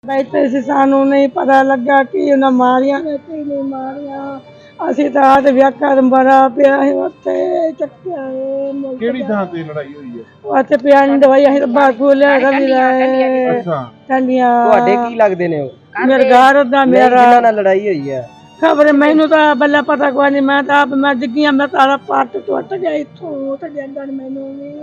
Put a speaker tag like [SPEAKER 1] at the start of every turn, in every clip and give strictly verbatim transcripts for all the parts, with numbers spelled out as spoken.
[SPEAKER 1] बैठे से सानू नहीं पता लगा कि उन्हें मारिया ने कि नहीं मारिया। ਅਸੀਂ ਤਾਂ ਆਦ ਵਿਆਖਾ ਬੜਾ ਪਿਆ ਹੈ ਉੱਥੇ ਚੱਕਿਆ ਹੈ।
[SPEAKER 2] ਕਿਹੜੀ ਥਾਂ ਤੇ ਲੜਾਈ ਹੋਈ ਹੈ?
[SPEAKER 1] ਉੱਥੇ ਪਿਆ ਨਹੀਂ ਦਵਾਈ ਅਸੀਂ ਤਾਂ ਬਾਗੂ ਲਿਆ ਵੀ ਲਾਏ।
[SPEAKER 2] ਅੱਛਾ
[SPEAKER 1] ਟੰਡੀਆਂ
[SPEAKER 3] ਤੁਹਾਡੇ ਕੀ ਲੱਗਦੇ ਨੇ ਉਹ?
[SPEAKER 1] ਮੇਰੇ ਘਰ ਦਾ ਮੇਰਾ
[SPEAKER 3] ਜਿਨ੍ਹਾਂ ਨਾਲ ਲੜਾਈ ਹੋਈ ਹੈ
[SPEAKER 1] ਖਬਰ ਮੈਨੂੰ ਤਾਂ ਬੱਲਾ ਪਤਾ ਕੋਈ ਨਹੀਂ। ਮੈਂ ਤਾਂ ਆਪ ਮੈਂ ਡਿੱਗੀਆਂ ਮੈਂ ਤਾਰਾ ਪੱਟ ਟੁੱਟ ਗਿਆ ਇੱਥੋਂ ਤੇ ਜਾਂਦਾ ਮੈਨੂੰ ਵੀ।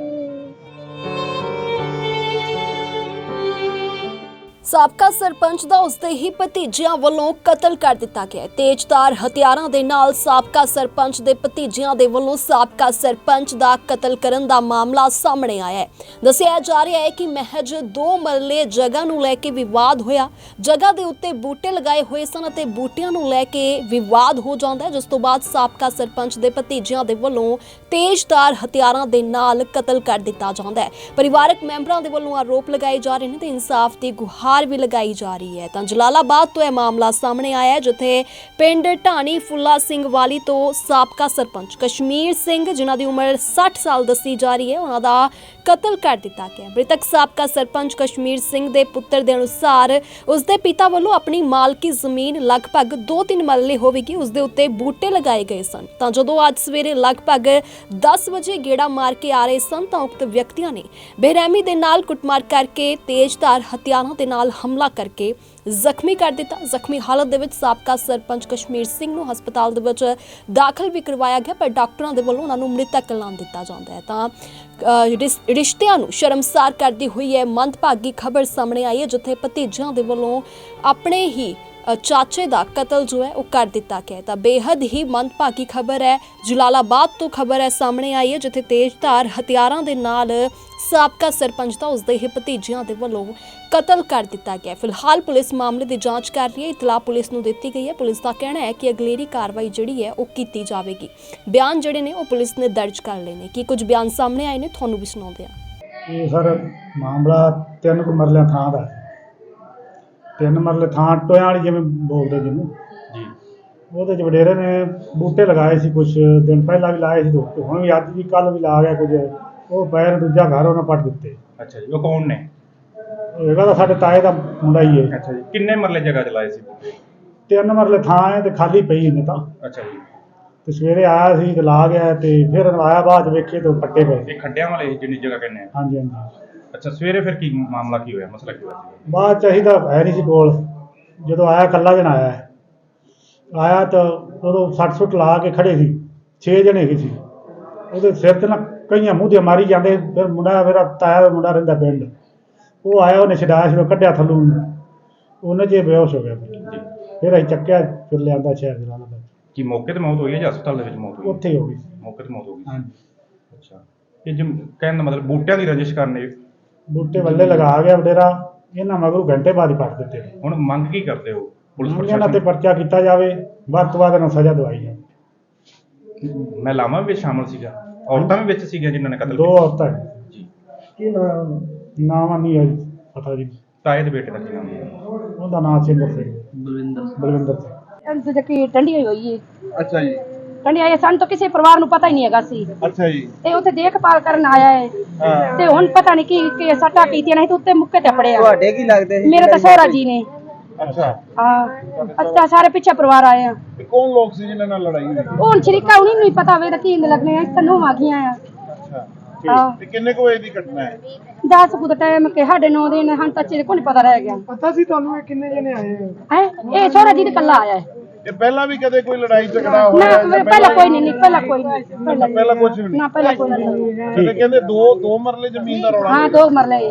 [SPEAKER 4] ਸਾਬਕਾ ਸਰਪੰਚ ਦਾ ਉਸਦੇ ਹੀ ਭਤੀਜਿਆਂ ਵੱਲੋਂ ਕਤਲ ਕਰ ਦਿੱਤਾ ਗਿਆ। ਤੇਜ਼ਧਾਰ ਹਥਿਆਰਾਂ ਦੇ ਨਾਲ ਸਾਬਕਾ ਸਰਪੰਚ ਦੇ ਭਤੀਜਿਆਂ ਦੇ ਵੱਲੋਂ ਸਾਬਕਾ ਸਰਪੰਚ ਦਾ ਕਤਲ ਕਰਨ ਦਾ ਮਾਮਲਾ ਸਾਹਮਣੇ ਆਇਆ ਹੈ। ਦੱਸਿਆ ਜਾ ਰਿਹਾ ਹੈ ਕਿ ਮਹਿਜ ਦੋ ਮਰਲੇ ਜਗ੍ਹਾ ਨੂੰ ਲੈ ਕੇ ਵਿਵਾਦ ਹੋਇਆ। ਜਗ੍ਹਾ ਦੇ ਉੱਤੇ ਬੂਟੇ ਲਗਾਏ ਹੋਏ ਸਨ ਅਤੇ ਬੂਟਿਆਂ ਨੂੰ ਲੈ ਕੇ ਵਿਵਾਦ ਹੋ ਜਾਂਦਾ ਹੈ, ਜਿਸ ਤੋਂ ਬਾਅਦ ਸਾਬਕਾ ਸਰਪੰਚ ਦੇ ਭਤੀਜਿਆਂ ਦੇ ਵੱਲੋਂ ਤੇਜ਼ਧਾਰ ਹਥਿਆਰਾਂ ਦੇ ਨਾਲ ਕਤਲ ਕਰ ਦਿੱਤਾ ਜਾਂਦਾ ਹੈ। ਪਰਿਵਾਰਕ ਮੈਂਬਰਾਂ ਦੇ ਵੱਲੋਂ ਆਰੋਪ ਲਗਾਏ ਜਾ ਰਹੇ ਨੇ ਤੇ ਇਨਸਾਫ ਦੀ ਗੁਹਾਰ ਵੀ ਲਗਾਈ ਜਾ ਰਹੀ ਹੈ। ਤਾਂ ਜਲਾਲਾਬਾਦ ਤੋਂ ਇਹ ਮਾਮਲਾ ਸਾਹਮਣੇ ਆਇਆ ਹੈ, ਜਿੱਥੇ ਪਿੰਡ ਢਾਣੀ ਫੁੱਲਾ ਸਿੰਘ ਵਾਲੀ ਤੋਂ ਸਾਬਕਾ ਸਰਪੰਚ ਕਸ਼ਮੀਰ ਸਿੰਘ, ਜਿਨ੍ਹਾਂ ਦੀ ਉਮਰ ਸੱਠ ਸਾਲ ਦੱਸੀ ਜਾ ਰਹੀ ਹੈ, ਉਹਨਾਂ ਦਾ ਕਤਲ ਕਰ ਦਿੱਤਾ ਗਿਆ। ਮ੍ਰਿਤਕ ਸਾਬਕਾ ਸਰਪੰਚ ਕਸ਼ਮੀਰ ਸਿੰਘ ਦੇ ਪੁੱਤਰ ਦੇ ਅਨੁਸਾਰ ਉਸਦੇ ਪਿਤਾ ਵੱਲੋਂ ਆਪਣੀ ਮਾਲਕੀ ਜ਼ਮੀਨ ਲਗਭਗ ਦੋ ਤਿੰਨ ਮਰਲੇ ਹੋਵੇਗੀ, ਉਸਦੇ ਉੱਤੇ ਬੂਟੇ ਲਗਾਏ ਗਏ ਸਨ। ਤਾਂ ਜਦੋਂ ਅੱਜ ਸਵੇਰੇ ਲਗਭਗ ਦਸ ਵਜੇ ਗੇੜਾ ਮਾਰ ਕੇ ਆ ਰਹੇ ਸਨ ਤਾਂ ਉਕਤ ਵਿਅਕਤੀਆਂ ਨੇ ਬੇਰਹਿਮੀ ਦੇ ਨਾਲ ਕੁੱਟਮਾਰ ਕਰਕੇ ਤੇਜ਼ਧਾਰ ਹਥਿਆਰਾਂ ਦੇ ਨਾਲ ਹਮਲਾ ਕਰਕੇ ਜ਼ਖਮੀ ਕਰ ਦਿੱਤਾ। ਜ਼ਖਮੀ ਹਾਲਤ ਦੇ ਵਿੱਚ ਸਾਬਕਾ ਸਰਪੰਚ ਕਸ਼ਮੀਰ ਸਿੰਘ ਨੂੰ ਹਸਪਤਾਲ ਦੇ ਵਿੱਚ ਦਾਖਲ ਵੀ ਕਰਵਾਇਆ ਗਿਆ, ਪਰ ਡਾਕਟਰਾਂ ਦੇ ਵੱਲੋਂ ਉਹਨਾਂ ਨੂੰ ਮ੍ਰਿਤਕ ਐਲਾਨ ਦਿੱਤਾ ਜਾਂਦਾ ਹੈ। ਤਾਂ ਰਿਸ਼ਤਿਆਂ ਨੂੰ ਸ਼ਰਮਸਾਰ ਕਰਦੀ ਹੋਈ ਹੈ ਮੰਦਭਾਗੀ ਖਬਰ ਸਾਹਮਣੇ ਆਈ ਹੈ, ਜਿੱਥੇ ਭਤੀਜਿਆਂ ਦੇ ਵੱਲੋਂ ਆਪਣੇ ਹੀ ਚਾਚੇ ਦਾ ਕਤਲ ਜੋ ਹੈ ਉਹ ਕਰ ਦਿੱਤਾ ਗਿਆ। ਤਾਂ ਬੇਹੱਦ ਹੀ ਮੰਦਭਾਗੀ ਖਬਰ ਹੈ। ਜਲਾਲਾਬਾਦ ਤੋਂ ਖਬਰ ਹੈ ਸਾਹਮਣੇ ਆਈ ਹੈ, ਜਿੱਥੇ ਤੇਜ਼ਧਾਰ ਹਥਿਆਰਾਂ ਦੇ ਨਾਲ ਸਾਬਕਾ ਸਰਪੰਚ ਦਾ ਉਸਦੇ ਹੀ ਭਤੀਜਿਆਂ ਦੇ ਵੱਲੋਂ ਕਤਲ ਕਰ ਦਿੱਤਾ ਗਿਆ। ਫਿਲਹਾਲ ਪੁਲਿਸ ਮਾਮਲੇ ਦੀ ਜਾਂਚ ਕਰ ਰਹੀ ਹੈ। ਇਤਲਾਹ ਪੁਲਿਸ ਨੂੰ ਦਿੱਤੀ ਗਈ ਹੈ। ਪੁਲਿਸ ਦਾ ਕਹਿਣਾ ਹੈ ਕਿ ਅਗਲੇਰੀ ਕਾਰਵਾਈ ਜਿਹੜੀ ਹੈ ਉਹ ਕੀਤੀ ਜਾਵੇਗੀ। ਬਿਆਨ ਜਿਹੜੇ ਨੇ ਉਹ ਪੁਲਿਸ ਨੇ ਦਰਜ ਕਰ ਲਏ ਨੇ। ਕੀ ਕੁਝ ਬਿਆਨ ਸਾਹਮਣੇ ਆਏ ਨੇ ਤੁਹਾਨੂੰ ਵੀ ਸੁਣਾਉਂਦੇ ਹਾਂ।
[SPEAKER 5] ਇਹ ਸਰ ਮਾਮਲਾ ਤਿੰਨ ਕੁ ਮਰਲਿਆਂ ਥਾਂ ਦਾ। ਤਿੰਨ ਮਰਲੇ ਥਾਂ ਟੋਇਆਂ ਵਾਲੀ ਜਿਵੇਂ ਬੋਲਦੇ ਜਿਹਨੂੰ
[SPEAKER 2] ਜੀ,
[SPEAKER 5] ਉਹਦੇ 'ਚ ਵਡੇਰੇ ਨੇ ਬੂਟੇ ਲਗਾਏ ਸੀ, ਕੁਛ ਦਿਨ ਪਹਿਲਾਂ ਵੀ ਲਾਏ ਸੀ, ਤੇ ਹੁਣ ਵੀ ਅੱਜ ਵੀ ਕੱਲ੍ਹ ਵੀ ਲਾ ਗਿਆ ਕੁਝ। ਉਹ ਪੈਰ ਦੂਜਾ ਘਰ ਉਹਨਾਂ ਪੱਟ ਦਿੱਤੇ।
[SPEAKER 2] ਅੱਛਾ ਜੀ, ਉਹ ਕੌਣ ਨੇ?
[SPEAKER 5] ਹੈਗਾ ਤਾਂ ਸਾਡੇ ਤਾਏ ਦਾ ਮੁੰਡਾ ਹੀ ਹੈ।
[SPEAKER 2] ਅੱਛਾ ਜੀ, ਕਿੰਨੇ ਮਰਲੇ ਜਗ੍ਹਾ ਚਲਾਏ ਸੀ?
[SPEAKER 5] ਤਿੰਨ ਮਰਲੇ ਥਾਂ ਹੈ ਤੇ ਖਾਲੀ ਪਈ ਇਹਨੇ ਤਾਂ।
[SPEAKER 2] ਅੱਛਾ ਜੀ,
[SPEAKER 5] ਤੇ ਸਵੇਰੇ ਆਇਆ ਸੀ ਤੇ ਲਾ ਗਿਆ, ਤੇ ਫਿਰ ਆਇਆ ਬਾਅਦ ਵੇਖੇ ਤੇ ਪੱਟੇ ਪਏ।
[SPEAKER 2] ਇਹ ਖੱਡਿਆਂ ਵਾਲੇ ਜਿੰਨੀ ਜਗ੍ਹਾ ਕਹਿੰਦੇ ਆ?
[SPEAKER 5] ਹਾਂਜੀ ਹਾਂਜੀ।
[SPEAKER 2] ਅੱਛਾ, ਸਵੇਰੇ ਫਿਰ ਕੀ ਮਾਮਲਾ ਕੀ ਹੋਇਆ, ਮਸਲਾ ਕੀ ਹੋਇਆ?
[SPEAKER 5] ਬਾਅਦ ਚਾਹੀਦਾ ਹੈ ਨਹੀਂ ਸੀ ਕੋਲ। ਜਦੋਂ ਆਇਆ ਇਕੱਲਾ ਜਣਾ ਆਇਆ ਆਇਆ ਤਾਂ ਉਦੋਂ ਸੱਟ ਸੁੱਟ ਲਾ ਕੇ ਖੜੇ ਸੀ, ਛੇ ਜਣੇ ਹੈਗੇ ਸੀ। ਉਹਦੇ ਸਿਰ 'ਤੇ ਨਾ ਕਈਆਂ ਮੂੰਹ ਦੀਆਂ ਮਾਰੀ ਜਾਂਦੇ। ਫਿਰ ਮੁੰਡਾ ਮੇਰਾ ਤਾਇਆ ਦਾ ਮੁੰਡਾ ਰਹਿੰਦਾ ਪਿੰਡ, ਉਹ ਆਇਆ, ਉਹਨੇ ਛਡਾਇਆ ਸੀ, ਕੱਢਿਆ ਥੱਲੋਂ, ਉਹਨੇ 'ਚ ਬੇਹੋਸ਼ ਹੋ ਗਿਆ। ਫਿਰ ਅਸੀਂ ਚੱਕਿਆ, ਫਿਰ ਲਿਆਂਦਾ ਸ਼ਹਿਰ ਜਲਾਲਾਬਾਦ।
[SPEAKER 2] ਕੀ ਮੌਕੇ ਤੇ ਮੌਤ ਹੋਈ ਹੈ ਜਾਂ ਹਸਪਤਾਲ ਦੇ ਵਿੱਚ ਮੌਤ ਹੋਈ?
[SPEAKER 5] ਉੱਥੇ ਹੀ ਹੋ ਗਈ।
[SPEAKER 2] ਮੌਕੇ ਤੇ ਮੌਤ ਹੋ ਗਈ।
[SPEAKER 5] ਹਾਂਜੀ।
[SPEAKER 2] ਅੱਛਾ, ਇਹ ਜਿ ਕਹਿਣ ਦਾ ਮਤਲਬ ਬੂਟਿਆਂ ਦੀ ਰੰਜਿਸ਼ ਕਰਨੇ?
[SPEAKER 5] ਬੂਟੇ ਵੱਲੇ ਲਗਾ ਗਿਆ ਵਡੇਰਾ, ਇਹਨਾਂ ਮਗਰੋਂ ਘੰਟੇ ਬਾਅਦ ਹੀ ਪੱਟ ਦਿੱਤੇ।
[SPEAKER 2] ਹੁਣ ਮੰਗ ਕੀ ਕਰਦੇ ਹੋ? ਪੁਲਿਸ
[SPEAKER 5] ਇਹਨਾਂ ਤੇ
[SPEAKER 2] ਪ੍ਰਸ਼ਾਸਨ
[SPEAKER 5] ਪਰਚਾ ਕੀਤਾ ਜਾਵੇ, ਵੱਧ ਤੋਂ ਵੱਧ ਇਹਨਾਂ ਨੂੰ ਸਜ਼ਾ ਦਵਾਈ ਜਾਵੇ।
[SPEAKER 2] ਮਹਿਲਾਵਾਂ ਵੀ ਵਿੱਚ ਸ਼ਾਮਲ ਸੀਗਾ, ਔਰਤਾਂ ਵੀ ਵਿੱਚ ਸੀਗੀਆਂ ਜਿਨ੍ਹਾਂ ਨੇ ਕਤਲ
[SPEAKER 5] ਦੋ
[SPEAKER 2] ਕੀਤਾ?
[SPEAKER 5] ਔਰਤਾਂ
[SPEAKER 2] ਜੀ,
[SPEAKER 5] ਕੀ ਨਾਮ ਨਾਮ ਨਹੀਂ ਹੈ ਜੀ ਪਤਾ ਜੀ।
[SPEAKER 2] ਤਾਏ ਦੇ ਬੇਟੇ ਦਾ ਕੀ ਨਾਮ ਹੈ?
[SPEAKER 5] ਉਹਦਾ ਨਾਮ ਸਿੰਦਰ ਸਿੰਘ, ਬਲਵਿੰਦਰ ਬਲਵਿੰਦਰ ਸਿੰਘ।
[SPEAKER 6] ਇਹਦੇ ਕੀ ਟੰਡੀ ਹੋਈ ਹੈ।
[SPEAKER 2] ਅੱਛਾ ਜੀ।
[SPEAKER 6] ਟੰਡੀ ਆਇਆ ਸਾਨੂੰ ਤਾਂ ਕਿਸੇ ਪਰਿਵਾਰ ਨੂੰ ਪਤਾ ਹੀ ਨਹੀਂ ਹੈਗਾ ਸੀ।
[SPEAKER 2] ਅੱਛਾ ਜੀ।
[SPEAKER 6] ਤੇ ਉੱਥੇ ਦੇਖਭਾਲ ਕਰਨ ਆਇਆ ਹੈ ਤੇ ਹੁਣ ਪਤਾ ਨਹੀਂ ਕੀ ਕੀ ਸੱਟਾਂ ਕੀਤੀਆਂ ਨੇ ਤੇ ਉੱਤੇ ਮੁੱਕੇ ਤੇ ਪੜਿਆ।
[SPEAKER 3] ਤੁਹਾਡੇ ਕੀ ਲੱਗਦੇ ਸੀ?
[SPEAKER 6] ਮੇਰੇ ਤਾਂ ਸਹੁਰਾ ਜੀ ਨੇ।
[SPEAKER 2] ਅੱਛਾ,
[SPEAKER 6] ਹਾਂ, ਅੱਛਾ, ਸਾਰੇ ਪਿੱਛੇ ਪਰਿਵਾਰ ਆਏ ਆ।
[SPEAKER 2] ਤੇ ਕੌਣ ਲੋਕ ਸੀ ਜਿਨ੍ਹਾਂ ਨਾਲ ਲੜਾਈ ਹੋਈ?
[SPEAKER 6] ਉਹ ਹੁਣ ਸ਼ਰੀਕਾ ਉਹਨੀ ਨੂੰ ਹੀ ਪਤਾ ਹੋਵੇ ਤਾਂ ਕੀ ਲੱਗਣੇ ਆ। ਤੈਨੂੰ ਆ ਗਈਆਂ ਆ।
[SPEAKER 2] ਅੱਛਾ,
[SPEAKER 6] ਹਾਂ,
[SPEAKER 2] ਤੇ ਕਿੰਨੇ ਕੁ ਵਜੇ ਦੀ ਘਟਨਾ ਹੈ?
[SPEAKER 6] ਦਸ ਕੁ ਦਾ ਟਾਈਮ ਕਿ ਸਾਡੇ ਨੌ ਦਿਨ ਹਨ ਤਾਂ ਚਿਰ ਕੋਈ ਪਤਾ ਰਹਿ ਗਿਆ।
[SPEAKER 5] ਪਤਾ ਸੀ ਤੁਹਾਨੂੰ ਇਹ ਕਿੰਨੇ ਜਣੇ ਆਏ?
[SPEAKER 6] ਹੈ ਇਹ ਸਹੁਰਾ ਜੀ ਦੇ ਕੱਲਾ ਆਇਆ ਹੈ।
[SPEAKER 2] ਇਹ ਪਹਿਲਾਂ ਵੀ ਕਦੇ ਕੋਈ ਲੜਾਈ ਝਗੜਾ
[SPEAKER 6] ਨਾ ਪਹਿਲਾਂ ਕੋਈ ਨਹੀਂ, ਪਹਿਲਾਂ ਕੋਈ ਨਹੀਂ,
[SPEAKER 2] ਪਹਿਲਾਂ ਕੁਝ ਵੀ ਨਹੀਂ?
[SPEAKER 6] ਨਾ ਪਹਿਲਾਂ ਕੋਈ ਨਹੀਂ।
[SPEAKER 2] ਤੇ ਕਹਿੰਦੇ ਦੋ ਦੋ ਮਰਲੇ ਜ਼ਮੀਨ ਦਾ ਰੌਲਾ?
[SPEAKER 6] ਹਾਂ, ਦੋ ਮਰਲੇ।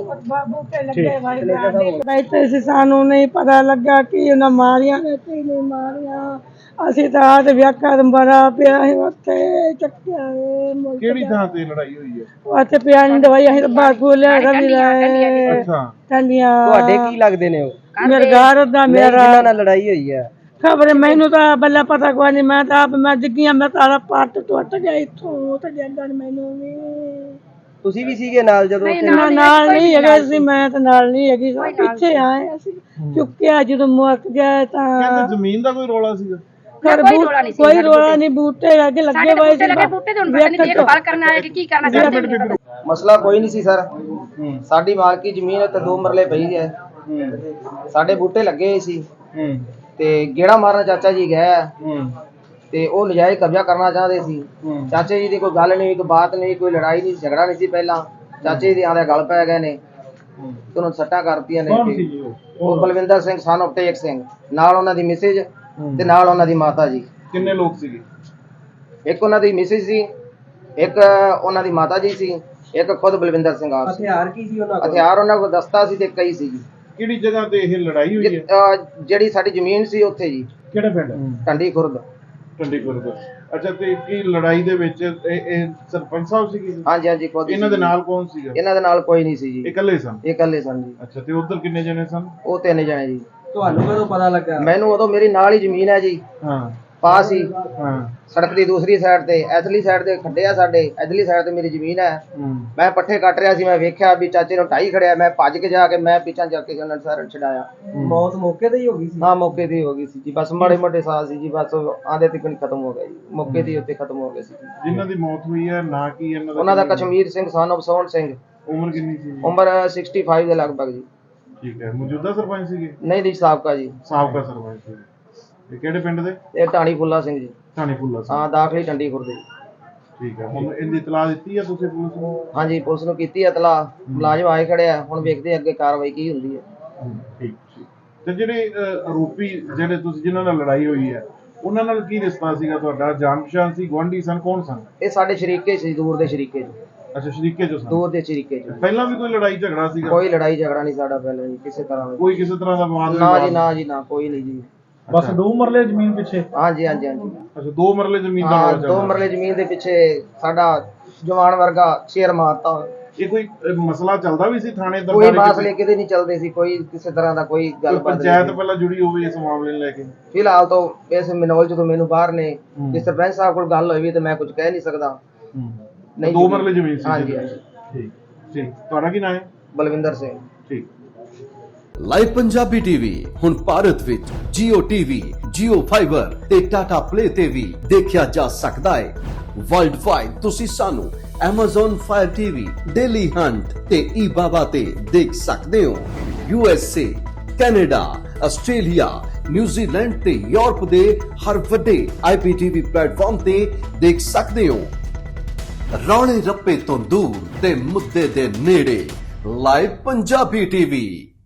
[SPEAKER 1] बैठे से सानू नहीं पता लगा कि उन्हें मारिया ने कि नहीं मारिया। ਅਸੀਂ ਤਾਂ ਆਦ ਵਿਆਖਾ ਬੜਾ ਪਿਆ ਹੈ ਉੱਥੇ ਚੱਕਿਆ ਹੈ।
[SPEAKER 2] ਕਿਹੜੀ ਥਾਂ ਤੇ ਲੜਾਈ ਹੋਈ ਹੈ?
[SPEAKER 1] ਉੱਥੇ ਪਿਆ ਨਹੀਂ ਦਵਾਈ ਅਸੀਂ ਤਾਂ ਬਾਗੂ ਲਿਆ ਵੀ ਲਾਏ।
[SPEAKER 2] ਅੱਛਾ,
[SPEAKER 1] ਟੰਡੀਆਂ
[SPEAKER 3] ਤੁਹਾਡੇ ਕੀ ਲੱਗਦੇ ਨੇ ਉਹ?
[SPEAKER 1] ਮੇਰੇ ਘਰ ਦਾ ਮੇਰਾ
[SPEAKER 3] ਜਿਨ੍ਹਾਂ ਨਾਲ ਲੜਾਈ ਹੋਈ ਹੈ?
[SPEAKER 1] ਖਬਰ ਮੈਨੂੰ ਤਾਂ ਬੱਲਾ ਪਤਾ ਕੋਈ ਨਹੀਂ। ਮੈਂ ਤਾਂ ਆਪ ਮੈਂ ਡਿੱਗੀਆਂ ਮੈਂ ਤਾਰਾ ਪੱਟ ਟੁੱਟ ਗਿਆ ਇੱਥੋਂ ਤੇ ਜਾਂਦਾ ਮੈਨੂੰ ਵੀ।
[SPEAKER 3] ਤੁਸੀਂ ਵੀ ਸੀਗੇ ਨਾਲ ਜਦੋਂ ਉੱਥੇ?
[SPEAKER 1] ਨਾ ਨਾਲ ਨਹੀਂ ਹੈਗਾ ਸੀ, ਮੈਂ ਤਾਂ ਨਾਲ ਨਹੀਂ ਹੈਗੀ, ਪਿੱਛੇ ਆਏ ਅਸੀਂ। ਚੁੱਕਿਆ ਜਦੋਂ ਮੁੱਕ ਗਿਆ ਤਾਂ
[SPEAKER 2] ਕਹਿੰਦੇ ਜ਼ਮੀਨ ਦਾ ਕੋਈ ਰੌਲਾ ਸੀਗਾ?
[SPEAKER 1] ਕੋਈ ਰੋਲਾ ਨਹੀਂ, ਬੂਟੇ ਅੱਗੇ ਲੱਗੇ ਹੋਏ ਸੀ।
[SPEAKER 6] ਬੂਟੇ ਤੇ ਹੁਣ ਪਤਾ ਨਹੀਂ ਦੇਖਭਾਲ ਕਰਨ ਆਏ ਕਿ ਕੀ ਕਰਨਾ।
[SPEAKER 3] ਮਸਲਾ ਕੋਈ ਨਹੀਂ ਸੀ ਸਰ। ਸਾਡੀ ਮਾਲਕੀ ਜ਼ਮੀਨ ਤੇ ਦੋ ਮਰਲੇ ਪਈ ਹੈ, ਸਾਡੇ ਬੂਟੇ ਲੱਗੇ ਹੋਏ ਸੀ
[SPEAKER 2] ਹੂੰ
[SPEAKER 3] ਤੇ ਗੇੜਾ ਮਾਰਨ ਚਾਚਾ ਜੀ ਗਏ
[SPEAKER 2] ਹੂੰ
[SPEAKER 3] ਤੇ ਉਹ ਨਜਾਇਜ਼ ਕਬਜ਼ਾ ਕਰਨਾ ਚਾਹਦੇ ਸੀ।
[SPEAKER 2] ਹੂੰ
[SPEAKER 3] ਚਾਚੇ ਜੀ ਦੀ ਕੋਈ ਗੱਲ ਨਹੀਂ, ਕੋਈ ਬਾਤ ਨਹੀਂ, ਕੋਈ ਲੜਾਈ ਨਹੀਂ, ਝਗੜਾ ਨਹੀਂ ਸੀ ਪਹਿਲਾਂ। ਚਾਚੇ ਜੀ ਦੇ ਆਂਦੇ ਗੱਲ ਪੈ ਗਏ ਨੇ
[SPEAKER 2] ਹੂੰ।
[SPEAKER 3] ਤੇ ਉਹਨੂੰ ਸੱਟਾਂ ਕਰਤੀਆਂ ਨੇ
[SPEAKER 2] ਕੌਣ
[SPEAKER 3] ਤੇ
[SPEAKER 2] ਸੀ ਜੀ ਉਹ?
[SPEAKER 3] ਉਹ ਬਲਵਿੰਦਰ ਸਿੰਘ ਸਨ of ਟੇਕ ਸਿੰਘ, ਨਾਲ ਉਹਨਾਂ ਦੀ ਮਿਸੇਜ
[SPEAKER 2] ਹੂੰ।
[SPEAKER 3] ਤੇ ਨਾਲ ਉਹਨਾਂ ਦੀ ਮਾਤਾ ਜੀ।
[SPEAKER 2] ਕਿੰਨੇ ਲੋਕ ਸੀਗੇ?
[SPEAKER 3] ਇੱਕ ਉਹਨਾਂ ਦੀ ਮਿਸਿਸ ਸੀ, ਇੱਕ ਉਹਨਾਂ ਦੀ ਮਾਤਾ ਜੀ ਸੀ, ਇੱਕ ਖੁਦ ਬਲਵਿੰਦਰ ਸਿੰਘ ਆਪ ਸੀ।
[SPEAKER 7] ਹਥਿਆਰ ਕੀ ਸੀ ਉਹਨਾਂ ਕੋਲ?
[SPEAKER 3] ਹਥਿਆਰ ਉਹਨਾਂ ਕੋਲ ਦਸਤਾ ਸੀ ਤੇ ਕਈ ਸੀ ਜੀ।
[SPEAKER 2] ਕਿਹੜੀ ਜਗ੍ਹਾ ਤੇ ਇਹ ਲੜਾਈ ਹੋਈ
[SPEAKER 3] ਜਿ-
[SPEAKER 2] ਹੈ?
[SPEAKER 3] ਅਹ ਜਿਹੜੀ ਸਾਡੀ ਜ਼ਮੀਨ ਸੀ ਉੱਥੇ ਜੀ,
[SPEAKER 2] ਕਿਹੜਾ ਪਿੰਡ?
[SPEAKER 3] ਟੰਡੀ ਖੁਰਦ।
[SPEAKER 2] ਚੰਡੀਗੜ੍ਹ ਦਾ। ਅੱਛਾ, ਤੇ ਕੀ ਲੜਾਈ ਦੇ ਵਿੱਚ ਇਹ ਇਹ ਸਰਪੰਚ ਸਾਹਿਬ ਸੀਗੇ ਜੀ?
[SPEAKER 3] ਹਾਂਜੀ ਹਾਂਜੀ ਖੁਦ ਹੀ
[SPEAKER 2] ਇਹਨਾਂ ਦੇ
[SPEAKER 3] ਸੀ।
[SPEAKER 2] ਨਾਲ ਕੌਣ ਸੀਗਾ?
[SPEAKER 3] ਇਹਨਾਂ ਦੇ ਨਾਲ ਕੋਈ ਨਹੀਂ ਸੀ
[SPEAKER 2] ਇਹ
[SPEAKER 3] ਜੀ,
[SPEAKER 2] ਇਕੱਲੇ ਸਨ?
[SPEAKER 3] ਇਹ ਇਕੱਲੇ ਸਨ ਜੀ।
[SPEAKER 2] ਅੱਛਾ, ਤੇ ਉਧਰ ਕਿੰਨੇ ਜਣੇ ਸਨ?
[SPEAKER 3] ਉਹ ਤਿੰਨ ਜਣੇ ਜੀ।
[SPEAKER 7] ਤੁਹਾਨੂੰ ਕਦੋਂ ਪਤਾ ਲੱਗਾ?
[SPEAKER 3] ਮੈਨੂੰ ਉਦੋਂ ਮੇਰੀ ਨਾਲ ਹੀ ਜ਼ਮੀਨ ਹੈ ਜੀ,
[SPEAKER 2] ਹਾਂ
[SPEAKER 3] ਪਾਸ ਹੀ
[SPEAKER 2] ਹਾਂ
[SPEAKER 3] ਸੜਕ ਦੀ ਦੂਸਰੀ ਸਾਈਡ ਤੇ, ਇਧਰਲੀ ਸਾਈਡ ਤੇ ਖੱਡੇ ਆ ਸਾਡੇ, ਇਧਰਲੀ ਸਾਈਡ ਤੇ ਮੇਰੀ ਜ਼ਮੀਨ ਹੈ।
[SPEAKER 2] ਹੂੰ
[SPEAKER 3] ਮੈਂ ਪੱਠੇ ਕੱਟ ਰਿਹਾ ਸੀ, ਮੈਂ ਵੇਖਿਆ ਵੀ ਚਾਚੇ ਨੂੰ ਢਾਈ ਖੜਿਆ, ਮੈਂ ਭੱਜ ਕੇ ਜਾ ਕੇ ਮੈਂ ਪਿੱਛਾ ਜਾ ਕੇ ਉਹਨਾਂ ਸਾਰਾ ਛਡਾਇਆ।
[SPEAKER 7] ਮੌਤ ਮੌਕੇ ਤੇ ਹੀ ਹੋ ਗਈ ਸੀ?
[SPEAKER 3] ਹਾਂ ਮੌਕੇ ਤੇ ਹੋ ਗਈ ਸੀ ਜੀ, ਬਸ ਮਾੜੇ ਮੋਟੇ ਸਾਹ ਸੀ ਜੀ, ਬਸ ਆਂਦੇ ਤੱਕ ਖਤਮ ਹੋ ਗਿਆ ਜੀ, ਮੌਕੇ ਤੇ ਹੀ ਉੱਤੇ ਖਤਮ ਹੋ ਗਏ ਸੀ।
[SPEAKER 2] ਜਿਨ੍ਹਾਂ ਦੀ ਮੌਤ ਹੋਈ ਹੈ ਨਾ ਕੀ ਇਹਨਾਂ ਦਾ?
[SPEAKER 3] ਉਹਨਾਂ ਦਾ ਕਸ਼ਮੀਰ ਸਿੰਘ son of ਸੋਹਣ ਸਿੰਘ,
[SPEAKER 2] ਉਮਰ ਕਿੰਨੀ ਸੀ ਜੀ?
[SPEAKER 3] ਉਮਰ ਪੈਂਸਠ ਦੇ ਲਗਭਗ ਜੀ।
[SPEAKER 2] ਠੀਕ ਹੈ, ਮੌਜੂਦਾ ਸਰਪੰਚ ਸੀਗੇ?
[SPEAKER 3] ਨਹੀਂ ਜੀ, ਸਾਬਕਾ ਜੀ।
[SPEAKER 2] ਸਾਬਕਾ ਸਰਪੰਚ ਸੀਗੇ। ਇਹ ਕਿਹੜੇ ਪਿੰਡ ਦੇ?
[SPEAKER 3] ਇਹ ਢਾਣੀ ਫੁੱਲਾ ਸਿੰਘ ਜੀ।
[SPEAKER 2] ਥਾਣੇ ਫੁੱਲਾ ਸਿੰਘ।
[SPEAKER 3] ਹਾਂ, ਦਾਖਲੀ ਟੰਡੀ ਖੁਰਦੇ।
[SPEAKER 2] ਠੀਕ ਹੈ, ਹੁਣ ਇਹਦੀ ਇਤਲਾਹ ਦਿੱਤੀ ਹੈ ਤੁਸੀਂ ਪੁਲਿਸ ਨੂੰ?
[SPEAKER 3] ਹਾਂਜੀ, ਪੁਲਿਸ ਨੂੰ ਕੀਤੀ ਹੈ ਇਤਲਾਹ, ਮੁਲਾਜ਼ਮ ਆਏ ਖੜੇ ਆ, ਹੁਣ ਵੇਖਦੇ ਆ ਅੱਗੇ ਕਾਰਵਾਈ ਕੀ ਹੁੰਦੀ ਹੈ।
[SPEAKER 2] ਠੀਕ ਠੀਕ। ਤੇ ਜਿਹੜੇ ਅਹ, ਆਰੋਪੀ ਜਿਹੜੇ ਤੁਸੀਂ ਜਿਨ੍ਹਾਂ ਨਾਲ ਲੜਾਈ ਹੋਈ ਹੈ, ਉਹਨਾਂ ਨਾਲ ਕੀ ਰਿਸ਼ਤਾ ਸੀਗਾ ਤੁਹਾਡਾ? ਜਾਣ ਪਛਾਣ ਸੀ, ਗੁਆਂਢੀ ਸਨ, ਕੌਣ ਸਨ?
[SPEAKER 3] ਇਹ ਸਾਡੇ ਸ਼ਰੀਕੇ ਸੀ, ਦੂਰ ਦੇ ਸ਼ਰੀਕੇ ਜੀ,
[SPEAKER 2] ਅੱਛਾ, ਸ਼ਰੀਕੇ ਜੋ ਸਨ।
[SPEAKER 3] ਦੂਰ ਦੇ ਸ਼ਰੀਕੇ ਜੀ।
[SPEAKER 2] ਪਹਿਲਾਂ ਵੀ ਕੋਈ ਲੜਾਈ ਝਗੜਾ ਸੀਗਾ?
[SPEAKER 3] ਕੋਈ ਲੜਾਈ ਝਗੜਾ ਨਹੀਂ ਸਾਡਾ ਪਹਿਲਾਂ ਜੀ, ਕਿਸੇ ਤਰ੍ਹਾਂ ਦਾ।
[SPEAKER 2] ਕੋਈ ਕਿਸੇ ਤਰ੍ਹਾਂ ਦਾ ਵਿਵਾਦ
[SPEAKER 3] ਨਾ
[SPEAKER 2] ਵਿਵਾਦ?
[SPEAKER 3] ਜੀ, ਨਾ ਜੀ, ਨਾ, ਕੋਈ ਨਹੀਂ ਜੀ।
[SPEAKER 2] ਬਸ ਦੋ ਮਰਲੇ ਜ਼ਮੀਨ ਪਿੱਛੇ?
[SPEAKER 3] ਹਾਂਜੀ ਹਾਂਜੀ ਹਾਂਜੀ।
[SPEAKER 2] ਅੱਛਾ, ਦੋ ਮਰਲੇ ਜ਼ਮੀਨ ਦਾ
[SPEAKER 3] ਹਾਂ,
[SPEAKER 2] ਵਿਵਾਦ
[SPEAKER 3] ਦੋ
[SPEAKER 2] ਚੱਲਦਾ?
[SPEAKER 3] ਮਰਲੇ ਜ਼ਮੀਨ ਦੇ ਪਿੱਛੇ ਸਾਡਾ ਜਵਾਨ ਵਰਗਾ ਸ਼ੇਰ ਮਾਰਤਾ।
[SPEAKER 2] ਇਹ ਕੋਈ ਅਹ, ਮਸਲਾ ਚੱਲਦਾ ਵੀ ਸੀ ਥਾਣੇ
[SPEAKER 3] ਕੋਈ
[SPEAKER 2] ਦਰਬਾਰੇ?
[SPEAKER 3] ਮਸਲੇ ਕਿਤੇ ਨਹੀਂ ਚੱਲਦੇ ਸੀ, ਕੋਈ ਕਿਸੇ ਤਰ੍ਹਾਂ ਦਾ ਕੋਈ
[SPEAKER 2] ਕੋਈ
[SPEAKER 3] ਗੱਲਬਾਤ
[SPEAKER 2] ਪੰਚਾਇਤ
[SPEAKER 3] ਨਹੀਂ।
[SPEAKER 2] ਪਹਿਲਾਂ ਜੁੜੀ ਹੋਵੇ ਇਸ ਮਾਮਲੇ ਨੂੰ ਲੈ ਕੇ?
[SPEAKER 3] ਫਿਲਹਾਲ ਤਾਂ ਇਸ ਮਨੋਲ ਜਦੋਂ ਮੈਨੂੰ ਬਾਹਰ ਨੇ,
[SPEAKER 2] ਹੂੰ।
[SPEAKER 3] ਜੇ ਸਰਪੰਚ ਸਾਹਿਬ ਕੋਲ ਗੱਲ ਹੋਈ ਵੀ ਤੇ ਮੈਂ ਕੁਝ ਕਹਿ ਨਹੀਂ ਸਕਦਾ। ਨਹੀਂ
[SPEAKER 2] ਦੋ
[SPEAKER 3] ਜੀ।
[SPEAKER 2] ਮਰਲੇ ਜ਼ਮੀਨ ਸੀ?
[SPEAKER 3] ਹਾਂਜੀ ਹਾਂਜੀ।
[SPEAKER 2] ਠੀਕ ਠੀਕ। ਤੁਹਾਡਾ ਕੀ ਨਾਮ ਹੈ?
[SPEAKER 3] ਬਲਵਿੰਦਰ ਸਿੰਘ।
[SPEAKER 2] ਠੀਕ।
[SPEAKER 8] ਲਾਈਵ ਪੰਜਾਬੀ ਟੀਵੀ ਹੁਣ ਭਾਰਤ ਵਿੱਚ Jio ਟੀਵੀ, Jio ਫਾਈਬਰ ਤੇ Tata Play ਤੇ ਵੀ ਦੇਖਿਆ ਜਾ ਸਕਦਾ ਹੈ। ਵਰਲਡ ਵਾਈਡ ਤੁਸੀਂ ਸਾਨੂੰ Amazon Fire T V, Daily Hunt ਤੇ eBaba ਤੇ ਦੇਖ ਸਕਦੇ ਹੋ। U S A, Canada, Australia, New Zealand ਤੇ ਯੂਰਪ ਦੇ ਹਰ ਵੱਡੇ I P T V platform ਤੇ ਦੇਖ ਸਕਦੇ ਹੋ। ਰੌਲੇ ਰੱਪੇ ਤੋਂ ਦੂਰ ਤੇ ਮੁੱਦੇ ਦੇ ਨੇੜੇ ਲਾਈਵ ਪੰਜਾਬੀ ਟੀਵੀ।